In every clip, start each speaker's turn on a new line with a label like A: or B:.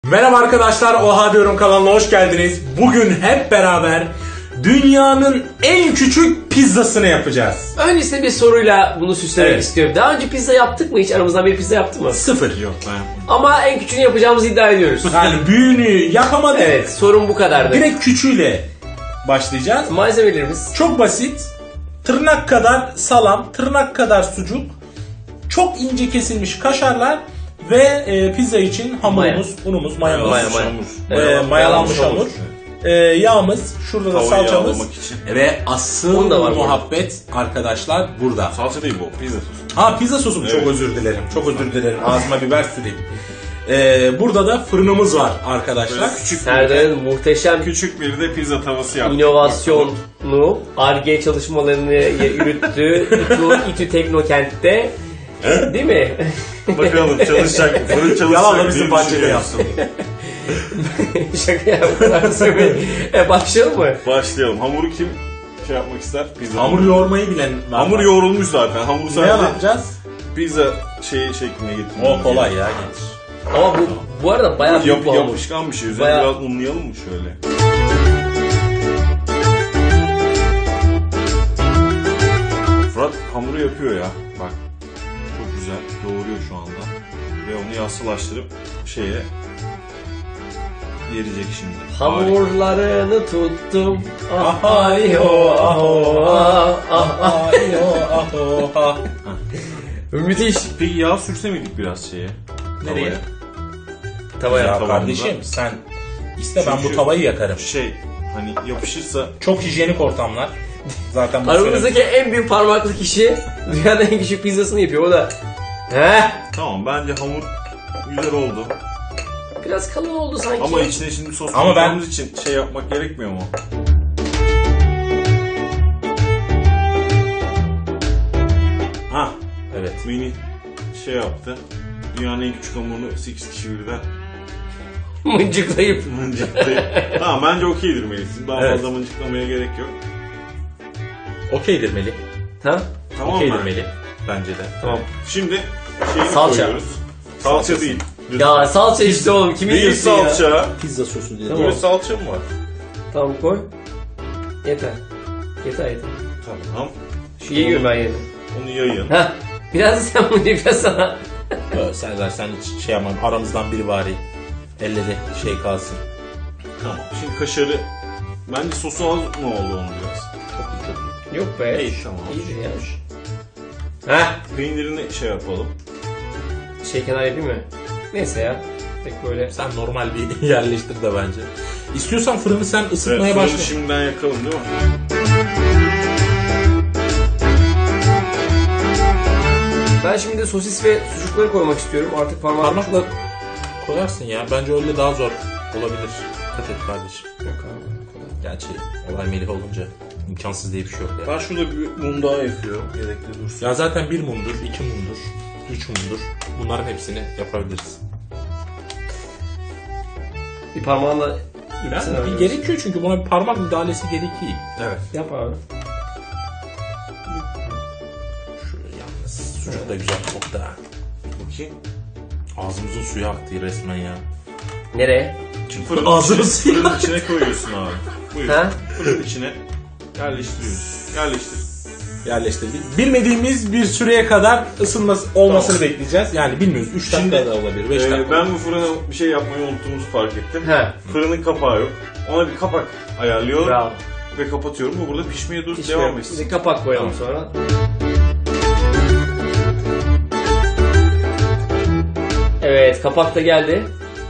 A: Merhaba arkadaşlar, Oha Diyorum kanalına hoş geldiniz. Bugün hep beraber dünyanın en küçük pizzasını yapacağız.
B: Öncesinde bir soruyla bunu süslemek
A: Evet.
B: istiyorum. Daha önce pizza yaptık mı hiç? Aramızdan bir pizza yaptı mı?
A: Sıfır yok ben.
B: Ama en küçüğünü yapacağımızı iddia ediyoruz.
A: Yani büyüğünü yapamadık.
B: Evet, sorun bu kadardı.
A: Direkt küçüğüyle başlayacağız.
B: Malzemelerimiz
A: Çok basit. Tırnak kadar salam, tırnak kadar sucuk, çok ince kesilmiş kaşarlar ve pizza için hamurumuz, unumuz, mayamız, mayalanmış hamur. Yağımız, şurada da salçamız
C: için.
A: ve asıl
B: Un da var
A: muhabbet arkadaşlar burada.
C: Salça değil bu, pizza sosu.
A: Ha, pizza sosu mu?
C: Evet.
A: Çok özür dilerim. Çok özür dilerim. Ağzıma biber süreyim. Burada da fırınımız var arkadaşlar.
C: Böyle küçük
B: Serdar'ın muhteşem
C: küçük bir de pizza tavası yaptık.
B: inovasyonu, Ar-Ge çalışmalarını yürüttü. İTÜ Teknokent'te. Değil mi?
C: Bakalım çalışacak mı? Fırın çalışacak
A: Yalanla
C: diye
A: bizim bahçede
C: düşünüyoruz.
A: yaptım.
B: Şaka ya, bu kadar söyleyeyim. Başlayalım mı?
C: Başlayalım. Hamuru kim yapmak ister? Pizza.
A: Hamur yoğurmayı bilen var.
C: Hamur yoğrulmuş zaten. Hamuru
A: Ne
C: sadece
A: yapacağız?
C: pizza şekline getirmemiz.
A: O kolay ya, getir.
B: Ama bu arada bayağı büyük bir hamur.
C: Yapışkan bir şey. Üzerine
B: Bayağı-
C: biraz unlayalım mı şöyle? Fırat hamuru yapıyor ya. Bak. Çok güzel. Doğuruyor şu anda. Ve onu yassılaştırıp yerecek şimdi.
B: Hamurlarını tuttum.
A: Ah,
B: Ay ho aho ah. Müthiş.
C: Peki yağ sürse miydik biraz şeye?
B: Nereye?
C: Tavaya.
A: Ya
C: Tavamda.
A: kardeşim sen iste, ben bu
C: Çünkü-
A: tavayı yakarım.
C: Hani yapışırsa
A: Çok hijyenik ortamlar. Zaten bu
B: Aramızdaki en büyük parmaklı kişi dünyanın en küçük pizzasını yapıyor. O da
C: tamam, bence hamur güzel oldu.
B: biraz kalın oldu sanki.
C: Ama içine şimdi sos
A: Ama ben-
C: koyacağımız için yapmak gerekmiyor mu?
A: Ha, evet.
C: Mini yaptı. Dünyanın en küçük hamurunu 8 kişi birden
B: Mıncıklayıp.
C: mıncıklayıp. Tamam, bence okeydir Melis. Daha
A: Evet.
C: fazla mıncıklamaya gerek yok.
A: Okeydir Melih.
B: Ha?
C: Tamam
A: Okeydir
C: mı?
A: Melih. Bence de.
B: Tamam.
C: Şimdi şeyi
B: Salça.
C: koyuyoruz. Salça değil.
B: Ya salça işte oğlum. Kimin
C: Değil
B: diyorsun ya?
C: salça.
A: Pizza sosu diye.
B: Tamam.
C: Böyle salça mı var?
B: Tamam koy. Yeter. Yeter.
C: Tamam.
B: Şu yiyorum ben yedim.
C: Onu yayın.
B: Heh. Biraz da sen bunu biraz sana.
A: Serdar, sen hiç şey yapma. Aramızdan biri bari. Elle de şey kalsın.
C: Tamam. Şimdi kaşarı, bence sosu az mı oldu onun biraz?
A: Çok iyi, çok iyi.
B: Yok be.
C: İyi, tamam.
B: İyidir ya. Heh.
C: Peynirini yapalım.
B: Şey kenar yapayım mı? Neyse ya. Tek böyle.
A: Sen normal bir yerleştir de bence. İstiyorsan fırını sen ısıtmaya
C: Evet,
A: başla.
C: fırını şimdiden yakalım değil mi?
B: Ben şimdi de sosis ve sucukları koymak istiyorum. Artık
A: Parmakla koyarsın ya. Bence öyle daha zor olabilir. Dikkat et kardeşim.
B: Yok abi.
A: Gerçi olay Melih olunca imkansız diye bir şey yok ya.
C: Ben şurada bir mum daha yakıyorum. Gerekli dursun.
A: Ya zaten 1 mumdur, 2 mumdur, 3 mumdur. Bunların hepsini yapabiliriz.
B: Bir parmağınla ipsene
A: Yani bir gerekiyor çünkü buna bir parmak müdahalesi gerekiyor.
C: Evet.
B: Yap abi.
A: Şöyle yalnız sucuk da güzel koktu ha.
C: Bakayım.
A: Ağzımızın suyu aktı resmen ya.
B: Nereye?
C: Şimdi fırının
A: Ağzını
C: içine,
A: sil.
C: fırının içine koyuyorsun abi. Buyur.
B: Ha?
C: Fırının içine yerleştiriyoruz. Yerleştir.
A: Yerleştirdik. Bilmediğimiz bir süreye kadar olmasını bekleyeceğiz. Yani bilmiyoruz. 3 dakika da olabilir, 5 dakika.
C: Ben bu fırına bir şey yapmayı unuttuğumuzu fark ettim.
B: Ha.
C: Fırının kapağı yok. Ona bir kapak ayarlıyorum
B: Bravo.
C: ve kapatıyorum. Bu burada pişmeye dur,
B: Hiç
C: devam
B: yok.
C: etsin.
B: Bir de kapak koyalım
C: Tamam.
B: sonra. Evet, kapak da geldi.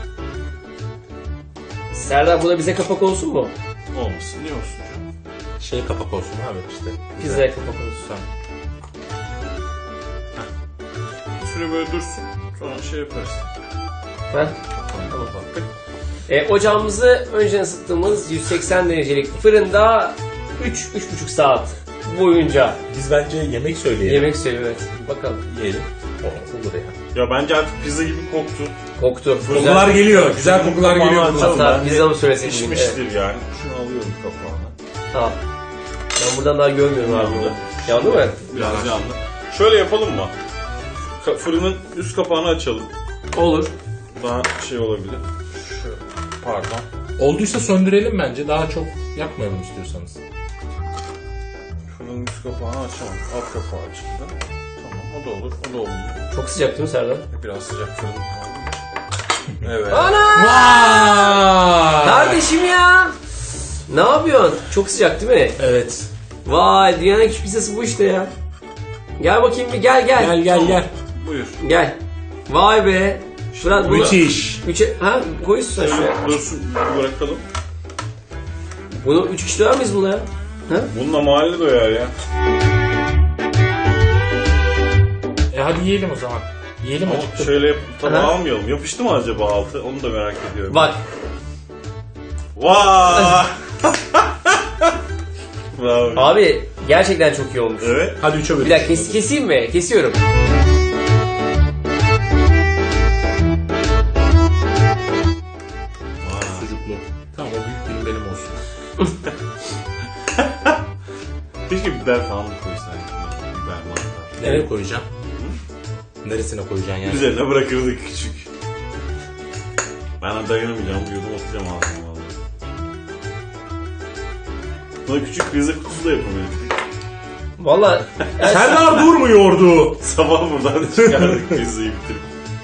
B: Serdar, bu da bize kapak olsun mu?
C: Olmasın. Ne olsun canım?
A: Şey kapak olsun abi işte.
B: Pizzaya kapak olsun.
A: Tamam.
C: Bir süre böyle dursun. Sonra yaparız.
B: Ha? Tamam. Ocağımızı önceden ısıttığımız 180 derecelik fırında 3-3,5 saat boyunca
A: Biz bence yemek söyleyelim.
B: yemek söylüyor. Evet. Bakalım.
A: Yiyelim. Olur ya.
C: Ya bence artık pizza gibi koktu.
B: Koktu.
A: Kokular geliyor. Güzel kokular
C: Kapağını
A: geliyor.
C: açalım.
A: bundan.
B: Hatta pizza mı söylesin?
C: Pişmiştir yani. Şunu alıyorum kapağını.
B: Tamam. Ben buradan daha görmüyorum abi.
C: Yandı.
B: Yandı mı?
C: Biraz yandı. Şöyle yapalım mı? Fırının üst kapağını açalım.
B: Olur.
C: Daha olabilir. Pardon.
A: Olduysa söndürelim bence. Daha çok yakmayalım istiyorsanız.
C: Fırının üst kapağını açamam. Alt kapağı açıldı. Tamam, o da olur. O da olur.
B: Çok sıcak değil mi Serdar?
C: Biraz sıcak fırın kaldı. Evet.
B: Ana!
A: Vay!
B: Kardeşim ya! Ne yapıyorsun? Çok sıcak değil mi?
A: Evet.
B: Vay, dünyanın en küçük pizzası bu işte ya. Gel bakayım bir, gel.
A: Gel.
C: Buyur.
B: Gel. Vay be. Fırat bunu...
A: Müthiş.
B: Ha, koyuyorsun sen şuraya.
C: Dursun, bırakalım.
B: Bunu 3 kişi doyar mıyız bununla ya? Ha?
C: Bununla mahalle doyar ya.
A: Hadi yiyelim o zaman. Yiyelim
C: Ama
A: acıktık.
C: şöyle tabağı
B: Aha.
C: almayalım. Yapıştı mı acaba altı? Onu da merak ediyorum.
B: Bak.
C: Vay! Bravo.
B: Abi gerçekten çok iyi olmuş.
C: Evet.
A: Hadi 3'e bölelim.
B: Bir dakika keseyim mi? Kesiyorum.
A: Sucuklu. Tamam, o büyük dilim benim olsun.
C: Keşke biber falan da koysaydık. Biber mantar.
A: Nereye koyacağım? Neresine koyacaksın yani?
C: Üzerine bırakırdık küçük. Ben dayanamayacağım. Bu yudum atacağım ağzıma vallahi. Buna küçük pizza kutusu da yapabilirdik.
B: Valla
A: Serdar durmuyordu.
C: Sabah buradan çıkardık pizzayı bitirip.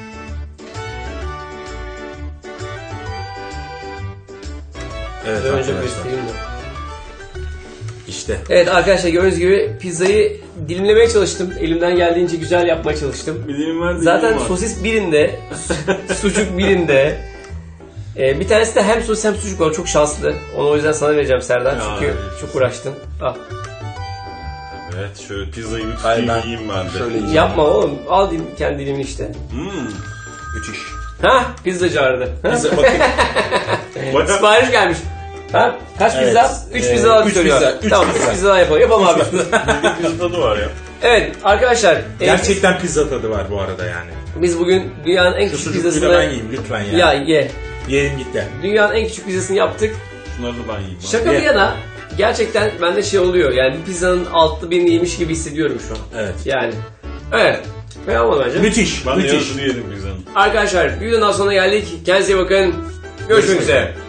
A: Evet
B: önce
A: arkadaşlar.
B: göstereyim de.
A: İşte.
B: Evet arkadaşlar, gördüğünüz gibi pizzayı dilimlemeye çalıştım. Elimden geldiğince güzel yapmaya çalıştım.
C: Bir dilim ver,
B: Zaten
C: dilim var.
B: sosis birinde, sucuk birinde. Bir tanesi de hem sosis hem sucuk var. Çok şanslı. Onu o yüzden sana vereceğim Serdar.
C: Ya,
B: Çünkü
C: evet.
B: çok uğraştın. Al.
C: Evet, şöyle pizzayı bir
A: Hayır,
C: tutayım
A: ben
C: yiyeyim ben de.
A: şöyle yiyeceğim.
B: Yapma oğlum. Al kendi dilimini işte.
A: Müthiş.
B: Hah, pizzacı aradı.
A: Bize bakın.
C: Bayağı
B: Sipariş gelmiş. Ha? Kaç
A: Evet.
B: pizza? 3 pizza daha
A: üç
B: söylüyor.
A: pizza, üç
B: Tamam,
A: pizza.
B: 3 pizza daha yapalım. Yapalım abi.
C: pizza tadı var ya.
B: Evet arkadaşlar.
A: Gerçekten pizza tadı var bu arada yani.
B: Biz bugün dünyanın en
A: Şu
B: küçük
A: sucukluyla
B: pizzasını...
A: ben yiyeyim lütfen ya.
B: Ya ye.
A: Yiyelim git de.
B: Dünyanın en küçük pizzasını yaptık.
C: Şunları da ben yiyeyim.
B: Şaka bir
A: Ye.
B: yana gerçekten bende şey oluyor. Yani bir pizzanın altı birini yemiş gibi hissediyorum şu an.
A: Evet.
B: Yani. Evet. Ve olmadı bence.
A: Müthiş.
C: Ben de
A: Müthiş.
C: yarısını yedim pizzanın.
B: Arkadaşlar bir videodan sonra geldik. Kendinize iyi bakın. Görüşmek üzere.